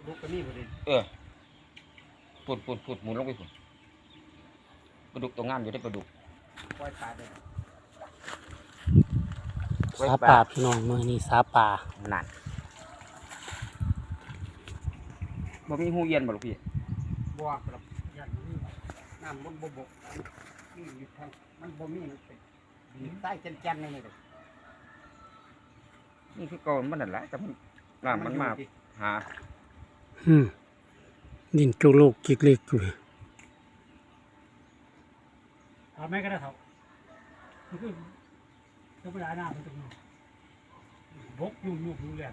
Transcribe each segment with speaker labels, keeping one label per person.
Speaker 1: ลูกก็นี่พอดี
Speaker 2: พูดหมุนลงไปพุ่นปลาดุกตัวงามอยู่ได้ปลาดุกปล่อยปลาได้
Speaker 3: สาป่าพี่น้องมือนี่สาป่า
Speaker 2: มันนั่นบ่มีหูเย็นบ่ลูกพี่
Speaker 1: บัวครับยันนี่น้ำบนบกนี่อยู่ทางมันบ่มีมันเป็นใต้แก่นๆนี่เลย
Speaker 2: นี่คือก่อนมันนั่นแหละแต่มันน้ำมันมาหา
Speaker 3: ดินจุกโลกกิกเล็กอยู่
Speaker 1: ทำแม่ก็ได้เท่าคือธรรมดาหน้ามันจะมีบกยุ่งแหลม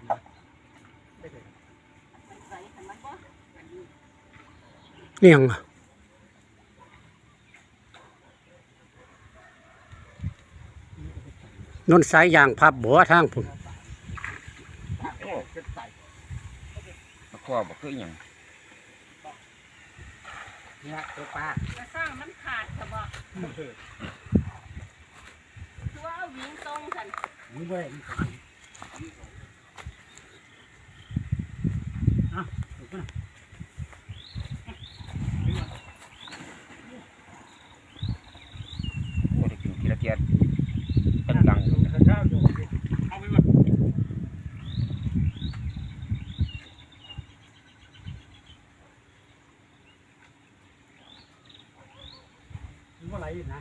Speaker 3: เลี้ยงนนสายยางพับบัวทางพุ่น
Speaker 2: ข้อบอกคืออย่าง
Speaker 1: เนี่ยตัวปลา
Speaker 4: สร้างมันขาดจะบอกตัวเอาวิ่งตรงกัน
Speaker 1: นี่เว้ย
Speaker 2: โอ้ได้กินทีละเทียนเป็นดัง
Speaker 1: เอาไปหมดมันไหลนะ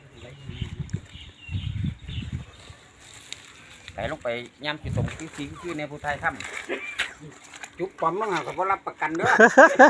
Speaker 2: ไหลลงไปย่ำจิตตรงคือในผู้ไทยค่
Speaker 1: จุกปั๊มมั้งอ่ะเขารับประกันด้วย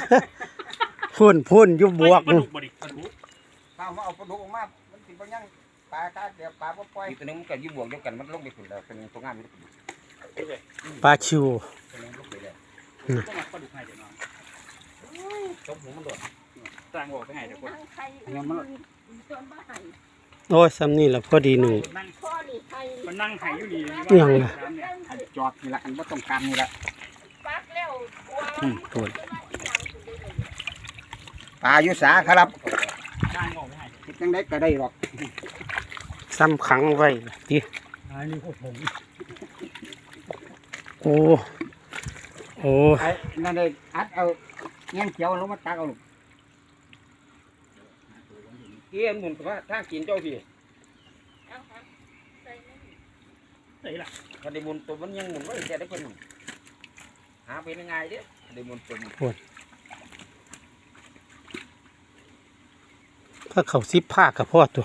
Speaker 3: พุ่นยุบบวก
Speaker 1: นู่นข้าวมาเอาปลาดุกออกมามันติดปลาย่างปลาตาเดี๋ยวปลาปล่อย
Speaker 2: ตัวนึงมันก็ยุบบวกเดียวกันมันลงไปขุนแล้วเป็นตัวงามอยู่
Speaker 3: ปลาชิว
Speaker 2: ตัวนึงลงไปเลย
Speaker 1: ต้องมาปลาดุกให้เดี๋ยวน้องจมหัวมันโดดสร้างบอกไปให้เดี๋ยวคน
Speaker 4: เนี่ยมันจนบ้าไห้
Speaker 3: โอ้ยซ้ำนี่แหละพอดีหนึ่ง
Speaker 1: มันนั่งไห้อยู่ดี
Speaker 3: ยังไง
Speaker 1: จอดนี่แหละอันว่าต้องการนี่แหละ
Speaker 3: ตัว
Speaker 2: ปลายุสาครับ
Speaker 1: จังได้ก็ได้หรอก
Speaker 3: ซ้ำขังไว้ดิ
Speaker 1: อันนี้พวกผม
Speaker 3: โอ้
Speaker 1: นั่นเลยอัดเอาเงี้ยเขียวลงมาตักเอาลูก
Speaker 2: เกี่ยหมุนว่าถ้ากินเจ้าพี่
Speaker 1: ใส่ละ
Speaker 2: พอได้หมุนตัวมันยังหมุนว่าจะได้เพิ่นหาเป็นยังไงเด้ได้หมุนตัว
Speaker 3: ถ้าเขาซิบผ้ากับพ่อตัว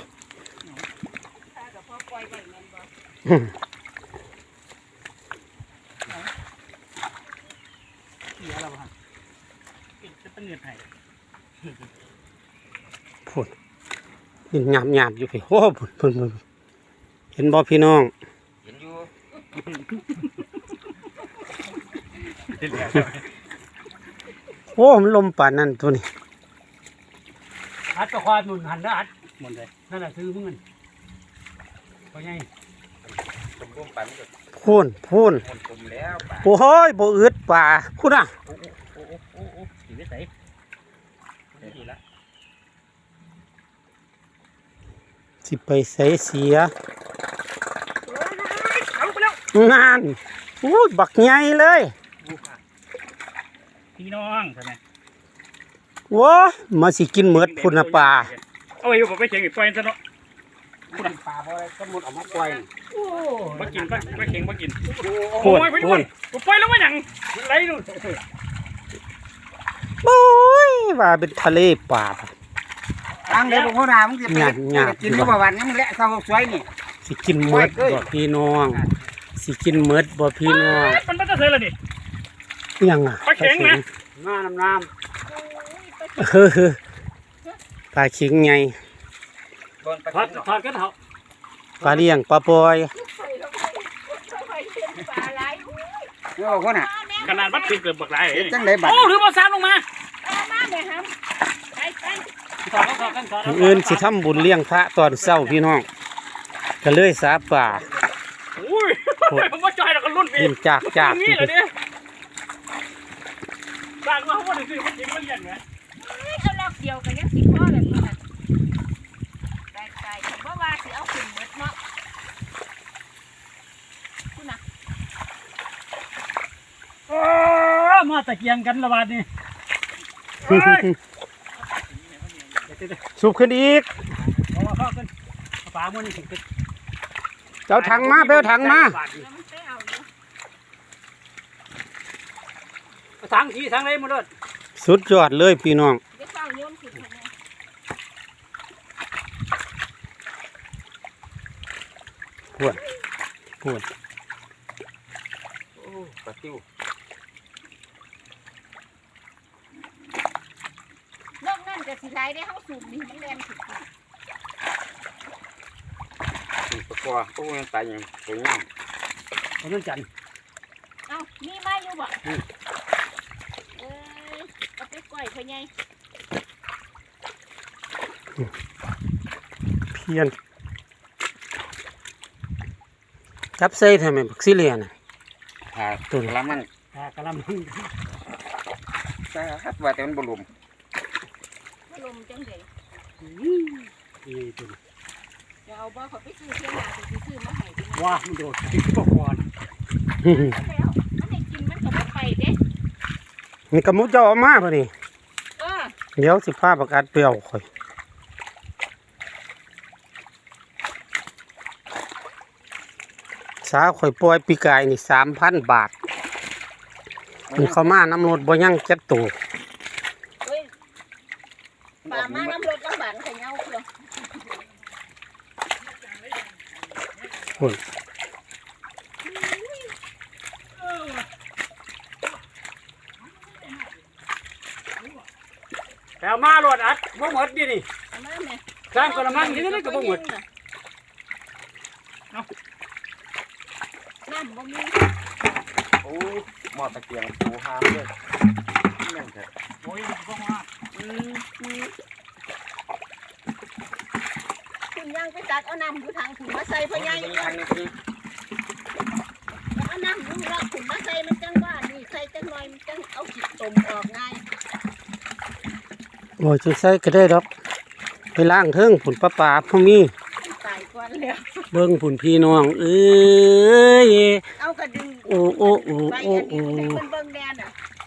Speaker 3: พุ่นนี่หยาบอยู่พี่โอ้พุ่นเห็นบ่พี่น้อง
Speaker 2: เห็นอยู่
Speaker 3: โอ้มันลมป่านนั่นตัวนี้
Speaker 1: อัดตะควาหนุนหันแล้วอัดหมดเลยนั่นแหละซื้อมึงเพราะไง
Speaker 3: พูนโอ้ยบ่อึดป่าพูดอ่ะสิไปใส่เสียงานโอ้ยบักใหญ่เลย
Speaker 1: พี่น้องใช่ไหม
Speaker 3: ว้ามาสิกินเมือดพุ่นป่า
Speaker 1: เอาไปอยู่ผมไปเชียงอีกปล่อยซะเนาะพุ่นป่าบ่ได้ก็มุดออกมาปล่อยมากินไปเชียงมากินโอ้ยไปด้วยกูปล่อยแล้วมาหยังไรนู่น
Speaker 3: โอ้ยว่าเป็นทะเลป่า
Speaker 1: ทางเดี๋ยวพวกเรามึงจะไปกินเมื่อวันนี้มึงแหละเขาสวยนี่
Speaker 3: สิกินเมือดบ่พี่น้องสิกินเมือดบ่พี่น้อง
Speaker 1: มันจะเสร็จแล้วนี่
Speaker 3: ยังอ่ะ
Speaker 1: ปลาเข็งนะน้ำ
Speaker 3: ปลาเข็งไง
Speaker 1: ทอดก็เถอะ
Speaker 3: ปลาเลี้ยงปลาปอย
Speaker 1: นี่บอกว่าน่ะขนาดวัดเกือบบักไหลจังไดบัด
Speaker 4: โอ้
Speaker 1: หรือมาซ้ำลงมา
Speaker 3: อื่นสิทำบุญเลี้ยงพระตอนเช้าพี่น้องก็เลยสาป่า
Speaker 1: อุ้ยผมว่าจอยเราก็รุ่น
Speaker 3: พี่จาก
Speaker 1: นี่เลยเนี่ยสร้างมาเขาว่าถึงมันจริงมันยังไง
Speaker 4: เอาล็อกเดียวกันยังสิพ่อเลยนี่นะได้ผมว่าสิเอาขึ้นหมดเนาะคุณน่ะ
Speaker 1: มมาตะเกียงกันระบาดนี่
Speaker 3: สูบขึ้นอีก
Speaker 1: เอาเข้ากันฝามันนี่ถึง
Speaker 3: เจ้าถังมาเบลถังมา
Speaker 4: แล้วมันไปเอาอยู่
Speaker 1: ถังสีถังอะไรมาเลย
Speaker 3: สุดยอดเลยพี่น้อง
Speaker 4: เดี๋ยวเฝ้าโยนขึ้นไปเนี่ย
Speaker 3: พวด
Speaker 2: โอ้ปลาติ้วน
Speaker 4: อกนั่นก็สิไหลได้เฮาสูบนี่มันแรงสุด
Speaker 2: ถึงปลากลัวโอ้ยตายอย่างสวยงาม
Speaker 1: เอาเรื่องจันทร์
Speaker 4: เอ้ามีไม้อยู่บ่เอาไปก้อยพ่อใหญ่
Speaker 3: เพียนจับใส่ทำไมบักซิเลียน่ะ
Speaker 2: หาตัวละมัน
Speaker 1: กะลำ
Speaker 2: แต่ฮัดว่าแต่มันบ่ลม
Speaker 4: บ่ลมจังได๋
Speaker 1: นี่ตัว
Speaker 4: จะเอาบ่เขาไปซื้อเที่ยงหน้าสิซื้อมาให้ดิ
Speaker 1: ว้ามันโดดติดบ่ก่อน
Speaker 4: แล้วมันให้กินมันก็บ่ไปเด้
Speaker 3: นี่กระมุเจ้าเอามาป่ะนี่
Speaker 4: เออ
Speaker 3: เดี๋ยวสิพาประกาศเปรี้ยวข่อยสาข่อยปล่อยปีกายนี่3,000 บาทมันเข้ามาน้ำรถบ่ยังจักตัว
Speaker 4: เฮ้ยป่ามาน้ำรถลำบากให้เงาเพื่อ
Speaker 3: พุ่น
Speaker 1: แต่เอามาโหลดอัดบ่หมดดินี่
Speaker 4: เอามาแม่
Speaker 1: สร้างกระมังนี่ก็บ่หมด
Speaker 4: น้ำบ่มี
Speaker 2: โอ้หม้อตะเกียงปูหามเลยนั่นเถอะ
Speaker 1: โอ้ยบ่มา
Speaker 4: คุณย่างไปตักเอาน้ำอยู่ทางคุณมาใส่พ่อใหญ่
Speaker 2: อันนี้คือ
Speaker 4: เอาน้ำอยู่รอบคุณมาใส่มันจังว่านี่ใส่จังหน่อยมันจังเอาขี้ตมออกง่าย
Speaker 3: โอ้ยจังใส่ก็ได้ดอกไปล้างเทิงผุนปลาปลาพ่อมี
Speaker 4: ตายก่อนแล้ว
Speaker 3: เบิ่งผุนพี่น้องเอ้ย
Speaker 4: เอากระดึง
Speaker 3: โอ้โอ้โอ้
Speaker 4: ไป
Speaker 3: โอ้
Speaker 4: อัน
Speaker 3: โอ้
Speaker 4: นี้มันเบิ่งแดนอ่ะ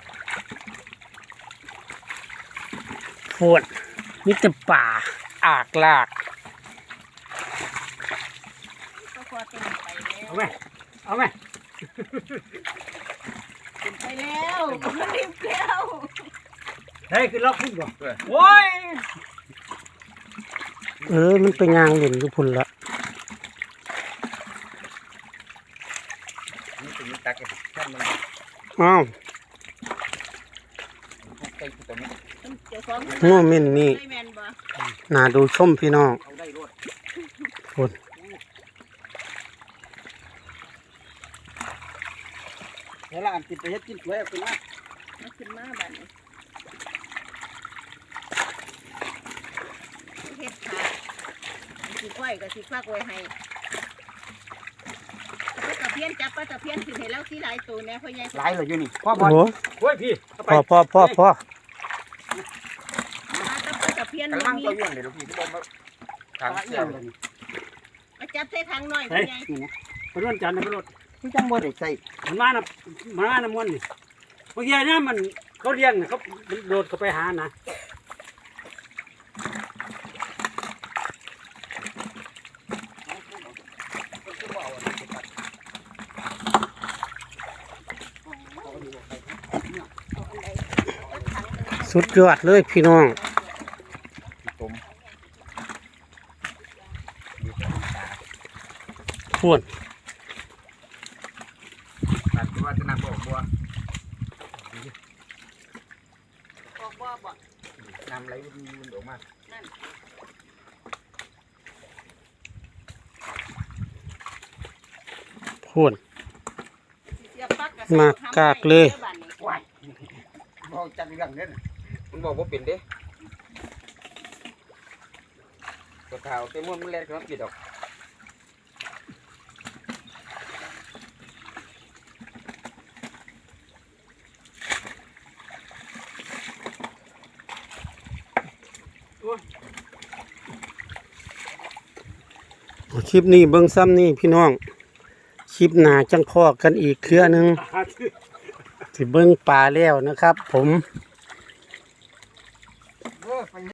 Speaker 3: โคตรมีแต่ป่าอากลาก
Speaker 4: ก็พอตื่นไปแล้ว
Speaker 1: เอาไหมเอาไหม
Speaker 4: ตื่นไปแล้วมันรีบแล้ว
Speaker 1: เฮ้ยคือล็อกขึ้นบ่โอ้ย
Speaker 3: มันไปงางเล่นอยู่พุ่นละ
Speaker 2: นี่เป็นตักแค่มัน
Speaker 3: อ้าว
Speaker 2: ใกล้ตัวนี้
Speaker 4: เจ้าของ
Speaker 3: โง่เม่นนี่
Speaker 4: ไม่แม่นบ่
Speaker 3: น่าดูชมพี่น้อง
Speaker 2: เอาได้รวด
Speaker 3: พุ่น
Speaker 2: เวลาอันติดไปเฮ็ดกินสวยเอาขึ้นมา
Speaker 4: มันขึ้นมาบัดนี้เฮ็ดขาสิก้อยก็สิฟักไว้ให้ปลาตะเพียนจับปลาตะเพียนขึ้นให้แล้วสิหลายตัวแน่พ่อใหญ่
Speaker 2: หลายเลยอยู่นี่พ่อ
Speaker 3: โอ้
Speaker 2: บอล
Speaker 3: โห
Speaker 1: โอ้ยพี่เอาไป
Speaker 3: พ่อ
Speaker 4: ปลาตะเพียน
Speaker 2: กระ
Speaker 4: บ่
Speaker 2: มัง
Speaker 4: มี
Speaker 2: ตัวย้วนเดี๋ยวพี่ที่บอกว่าทางเสียง
Speaker 4: มาจับใส่ถังหน่อยพ่อใหญ่
Speaker 1: ไปร่วนจันทร์ไปรถ
Speaker 2: ที่จังบ่ได้ใส่
Speaker 1: มันมาน้ำมันนี่บางทีเนี่ยมันเขาเลี้ยงน่ะเขาโดดเขาไปหานะ
Speaker 3: สุดยอดเลยพี่น้อง
Speaker 2: ต้ม
Speaker 3: พุ่น
Speaker 2: ตัดว่าจะนำบอกบัว
Speaker 4: ออกบ่บ่
Speaker 2: นำอะไรมันออกมา
Speaker 4: นั่น
Speaker 3: พุ่น
Speaker 4: เสียบปลั๊ก
Speaker 3: มากากเลย
Speaker 2: ว้ายบอกจังเรื่องนี้มันบอกว่าเป็นเด้ตัวขาวเต็มม้วนมันแรงขนาดกี่ดอก
Speaker 3: คลิปนี้เบิ่งซ้ำนี่พี่น้อง คลิปหน้าจังพอกันอีกเครือหนึงสิเบิ่งปลาแล้วนะครับ ผม